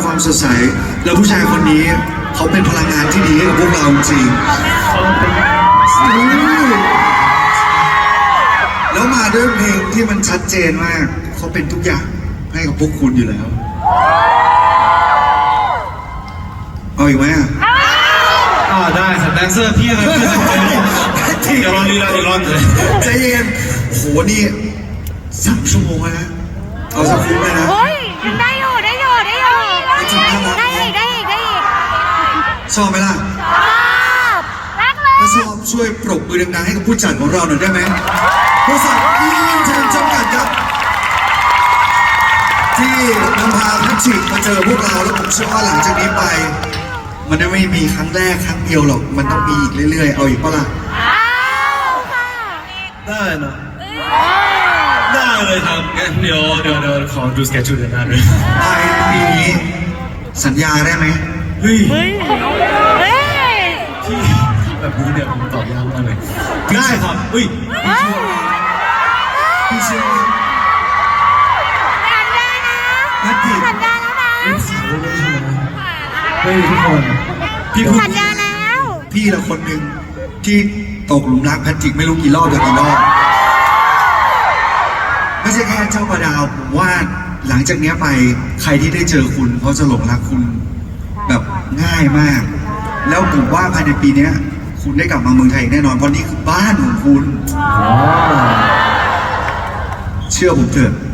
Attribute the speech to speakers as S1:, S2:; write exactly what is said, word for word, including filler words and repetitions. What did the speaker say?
S1: ความสดใสแล้วผู้ชายคนนี้เขาเป็นพลังงานที่ดีให้กับพวกเราจริงแล้วมาด้วยเพลงที่มันชัดเจนมากเขาเป็นทุกอย่างให้กับพวกคุณอยู่แล้วเอาอีกไหมอ่ะ
S2: อ่าได้ครับแดนเซอร์พี่อะไรพี่เดี๋ยวรอรีลาอีกรอบเลย
S1: ใจเย็นโหนี่สามชั่วโมงแล้วนะเอาสักคุ้มเลยนะ
S3: เฮ้ยได้อยู่ได้อยู่ได้อยู่ได้อีกได้อีกได้อีก
S1: ชอบไหมล่ะ
S3: ชอบรักเลย
S1: ถ้าชอบช่วยปรบมือดังๆให้กับผู้จัดของเราหน่อยได้ไหมบริษัทอีนเทอร์จำกัดครับที่นำพาทัชชิมาเจอพวกเราแล้วผมเชื่อว่าหลังจากนี้ไปมันไม่มีครั้งแรกครั้งเดียวหรอกมันต้องมีอีกเรื่อยๆเอาอีกปะล่ะ
S2: ได้นะได้เลยครับเดี๋ยวเดี๋ยวเดี๋ยวขอดูสเกจจูเดือนหน้าด้วย
S1: ภายในปีนี้สัญญาได้ไหม
S2: เฮ้ย
S3: เฮ้ย
S2: ที่แบบนี้เนี่ยผมตอบยากมากเลยได้ครับเฮ้ย
S1: พี่เชื่อ
S3: สัญญานะ
S1: นัดดิ
S3: สัญญาแล้วนะ
S2: เฮ้ยทุกคน
S3: พี่สัญญาแล้ว
S1: พี่ละคนหนึ่งที่ตกหลุมรักแพทริกไม่รู้กี่รอบต่อกี่รอบไม่ใช่แค่เจ้าประดาวผมว่าหลังจากนี้ไปใครที่ได้เจอคุณเขาจะหลงรักคุณแบบง่ายมากแล้วผมว่าภายในปีนี้คุณได้กลับมาเมืองไทยแน่นอนเพราะนี่คือบ้านของคุณเชื่อผมเถอะ